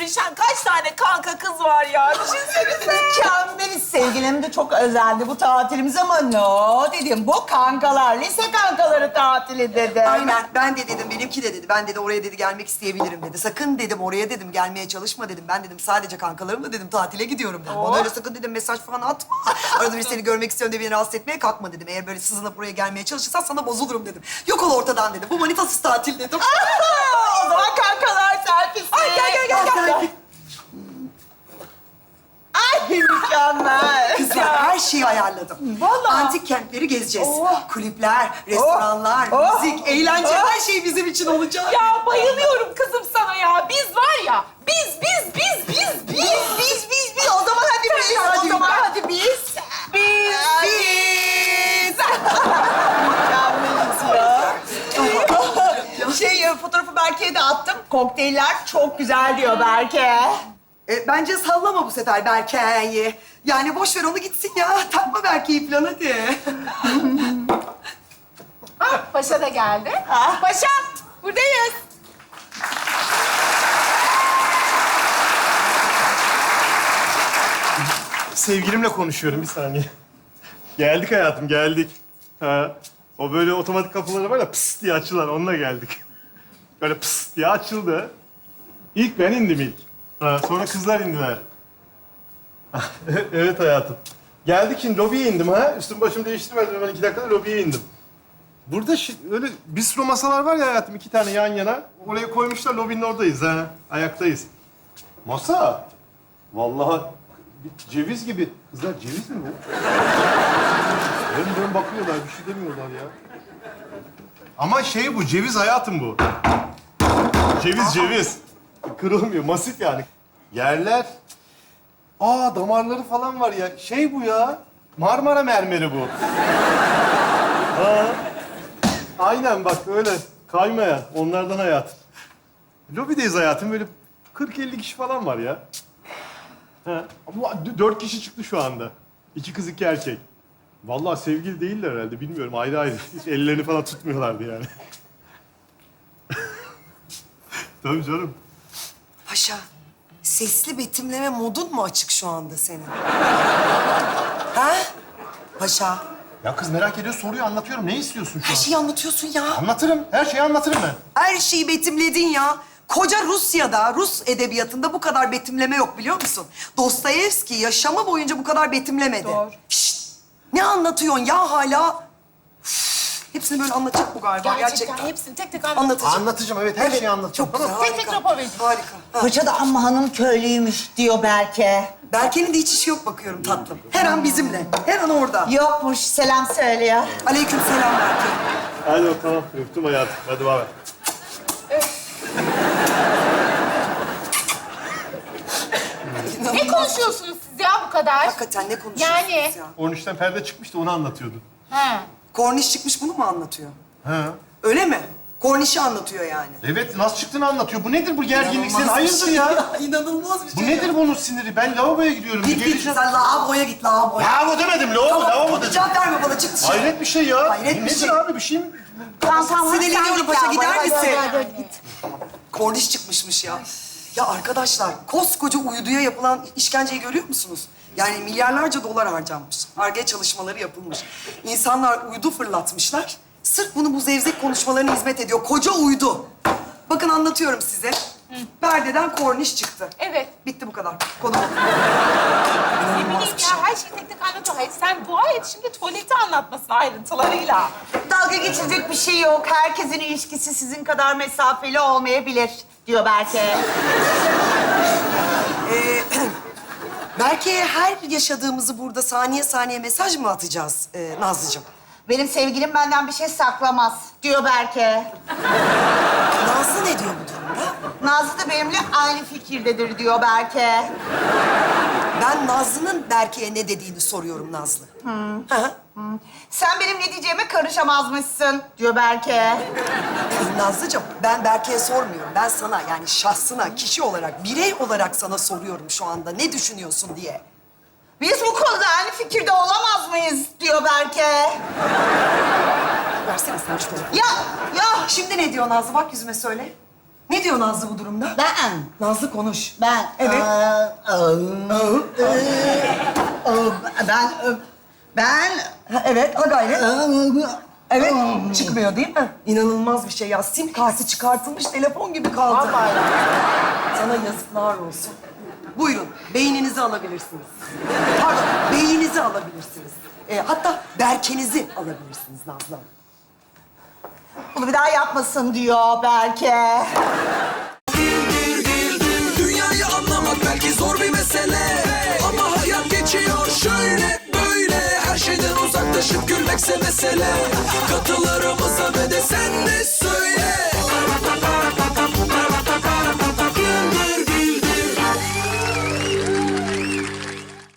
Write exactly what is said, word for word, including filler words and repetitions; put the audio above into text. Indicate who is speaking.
Speaker 1: sevişen kaç tane kanka kız var ya. Düşünsenize.
Speaker 2: Mükemmel sevgilim de çok özeldi bu tatilimiz ama no dedim. Bu kankalar, lise kankaları tatili dedi.
Speaker 3: Aynen. Ben de dedim, benimki de dedi. Ben dedi oraya dedi gelmek isteyebilirim dedi. Sakın dedim oraya dedim gelmeye çalışma dedim. Ben dedim sadece kankalarımla dedim tatile gidiyorum dedim. Bana öyle sakın dedim mesaj falan atma. Arada bir seni görmek istiyorum diye beni rahatsız etmeye kalkma dedim. Eğer böyle sızınıp buraya gelmeye çalışırsan sana bozulurum dedim. Yok ol ortadan dedim. Bu manitasız tatil dedim.
Speaker 2: O zaman kankalar selfiesi.
Speaker 3: Ay gel gel gel gel.
Speaker 2: Ay mükemmel.
Speaker 3: Kızlar her şeyi ayarladım.
Speaker 2: Vallahi.
Speaker 3: Antik kentleri gezeceğiz.
Speaker 2: Oh.
Speaker 3: Kulüpler, restoranlar,
Speaker 2: Oh.
Speaker 3: müzik, eğlence
Speaker 2: Oh.
Speaker 3: her şey bizim için olacak.
Speaker 1: Ya bayılıyorum kızım sana ya. Biz var ya, biz, biz, biz, biz, biz.
Speaker 2: Biz, biz, biz, biz. O zaman hadi biz.
Speaker 3: Hadi
Speaker 2: O zaman
Speaker 3: ben.
Speaker 2: hadi biz.
Speaker 1: Biz,
Speaker 2: Biz. Mükemmeliz ya. Şey, fotoğrafı Berke'ye de attım. Kokteyller çok güzel diyor Berke.
Speaker 3: E, bence sallama bu sefer Berke'yi. Yani boş ver onu gitsin ya. Takma Berke'yi falan hadi.
Speaker 1: Ah, Paşa da geldi.
Speaker 2: Ah.
Speaker 1: Paşa, buradayız.
Speaker 4: Sevgilimle konuşuyorum bir saniye. Geldik hayatım, geldik. Ha, o böyle otomatik kapıları var ya pıs diye açılan, onunla geldik. Böyle pıs diye açıldı. İlk ben indim ilk. Ha, sonra kızlar indiler. Evet hayatım. Geldik şimdi lobiye indim ha. Üstüm başımı değiştirmedim. Ben iki dakikada lobiye indim. Burada şi- öyle bistro masalar var ya hayatım, iki tane yan yana. Oraya koymuşlar, lobinin oradayız ha. Ayaktayız. Masa. Vallahi bir ceviz gibi. Kızlar ceviz mi bu? Dön dön bakıyorlar, bir şey demiyorlar ya. Ama şey bu, ceviz hayatım bu. Ceviz, ceviz. Kırılmıyor, masif yani. Yerler. Aa, damarları falan var ya. Şey bu ya, Marmara mermeri bu. Ha. Aynen bak öyle, kaymaya. Onlardan hayatım. Lobideyiz hayatım, böyle kırk elli kişi falan var ya. Ha. Ama d- dört kişi çıktı şu anda. İki kız, iki erkek. Vallahi sevgili değiller herhalde, bilmiyorum. Ayrı ayrı. Hiç ellerini falan tutmuyorlardı yani. Tabii canım.
Speaker 3: Paşa, sesli betimleme modun mu açık şu anda senin? ha? Paşa,
Speaker 4: Ya kız merak ediyor, soruyor, anlatıyorum. Ne istiyorsun şu
Speaker 3: her
Speaker 4: an?
Speaker 3: şeyi anlatıyorsun ya.
Speaker 4: Anlatırım, her şeyi anlatırım ben.
Speaker 3: Her şeyi betimledin ya. Koca Rusya'da, Rus edebiyatında bu kadar betimleme yok biliyor musun? Dostoyevski yaşamı boyunca bu kadar betimlemedi.
Speaker 1: Doğru.
Speaker 3: Şşt! Ne anlatıyorsun ya hala? Üf, hepsini böyle anlatacak bu galiba
Speaker 1: Gerçekten,
Speaker 3: gerçekten.
Speaker 1: hepsini tek tek anlat.
Speaker 3: Anlatacak.
Speaker 4: Anlatacağım, evet. Her şeyi anlatacağım.
Speaker 3: Çok güzel,
Speaker 4: Tamam.
Speaker 1: Tek tek
Speaker 3: harika.
Speaker 1: rapor verecek.
Speaker 3: Harika. Ha.
Speaker 2: Paşa da amma hanım köylüymüş diyor Berke.
Speaker 3: Berke'nin de hiç işi yok bakıyorum tatlım. Her an bizimle, her an orada.
Speaker 2: Yokmuş, selam söylüyor.
Speaker 3: Aleyküm selam Berke.
Speaker 4: Hadi bakalım, öptüm hayatım. Hadi bay bay.
Speaker 1: Ne konuşuyorsunuz siz ya bu kadar?
Speaker 3: Hakikaten ne konuşuyorsunuz
Speaker 1: Yani.
Speaker 3: ya?
Speaker 4: on üçten perde çıkmıştı, onu anlatıyordu.
Speaker 1: Ha.
Speaker 3: Korniş çıkmış bunu mu anlatıyor?
Speaker 4: Ha.
Speaker 3: Öyle mi? Kornişi anlatıyor yani.
Speaker 4: Evet, nasıl çıktığını anlatıyor. Bu nedir bu gerginlik? Sen
Speaker 3: İnanılmaz bir
Speaker 4: hayırdır
Speaker 3: şey
Speaker 4: ya?
Speaker 3: İnanılmaz bir şey
Speaker 4: Bu
Speaker 3: ya.
Speaker 4: nedir bunun siniri? Ben lavaboya gidiyorum.
Speaker 3: Git git
Speaker 4: Geleceğim.
Speaker 3: sen lavaboya git lavaboya.
Speaker 4: Lavabo demedim, lavabo, lavabo dedim.
Speaker 3: Cevap verme bana çık dışarı.
Speaker 4: Hayret bir şey ya.
Speaker 3: Hayret bir
Speaker 4: nedir
Speaker 3: şey.
Speaker 4: abi, bir şey mi?
Speaker 2: Tamam tamam.
Speaker 3: Sinirleniyorum paşa, gider misin?
Speaker 2: Hadi, hadi, hadi, git.
Speaker 3: Korniş çıkmışmış ya. Ya arkadaşlar koskoca uyduya yapılan işkenceyi görüyor musunuz? Yani milyarlarca dolar harcanmış. Ar-Ge çalışmaları yapılmış. İnsanlar uydu fırlatmışlar. Sırf bunu bu zevzek konuşmalarına hizmet ediyor. Koca uydu. Bakın anlatıyorum size. Berde'den korniş çıktı.
Speaker 1: Evet.
Speaker 3: Bitti bu kadar. Konu bu.
Speaker 1: Ne
Speaker 3: İnanılmaz
Speaker 1: bileyim
Speaker 3: bir şey.
Speaker 1: ya, her şeyi tek tek anlatıyor. Hayır, sen dua et şimdi tuvaleti anlatmasın ayrıntılarıyla.
Speaker 2: Dalga geçilecek bir şey yok. Herkesin ilişkisi sizin kadar mesafeli olmayabilir diyor Berke.
Speaker 3: Ee, Berke'ye her yaşadığımızı burada saniye saniye mesaj mı atacağız ee, Nazlıcığım?
Speaker 2: Benim sevgilim benden bir şey saklamaz diyor Berke.
Speaker 3: Nazlı ne diyor bu durumda?
Speaker 2: Nazlı da benimle aynı fikirdedir diyor Berke.
Speaker 3: Ben Nazlı'nın Berke'ye ne dediğini soruyorum Nazlı. Hı hı.
Speaker 2: Sen benim ne diyeceğime karışamazmışsın diyor Berke.
Speaker 3: Nazlıcığım ben Berke'ye sormuyorum. Ben sana yani şahsına, kişi olarak, birey olarak sana soruyorum şu anda. Ne düşünüyorsun diye.
Speaker 2: Biz bu konuda aynı fikirde olamaz mıyız diyor Berke.
Speaker 3: Versene sen şu telefonu.
Speaker 2: Ya ya
Speaker 3: Şimdi ne diyor Nazlı? Bak yüzüme söyle. Ne diyor Nazlı bu durumda?
Speaker 2: Ben,
Speaker 3: Nazlı konuş.
Speaker 2: ben...
Speaker 3: Evet.
Speaker 2: Ee, e, e, e, ben, e, ben...
Speaker 3: Ha, evet, ha gayret. Evet, çıkmıyor değil mi? İnanılmaz bir şey ya. Sim kartı çıkartılmış telefon gibi kaldı.
Speaker 1: Vallahi ya.
Speaker 3: Sana yazıklar olsun. Buyurun, beyninizi alabilirsiniz. Pardon, beyninizi alabilirsiniz. Ee, hatta berkenizi alabilirsiniz Nazlı Hanım.
Speaker 2: Bunu bir daha yapmasın diyor belki.
Speaker 5: Dünyayı anlamak belki zor bir mesele, ama hayat geçiyor şöyle böyle. Her şeyden uzaklaşıp gülmekse mesele. Katılarımıza ve de sen de söyle.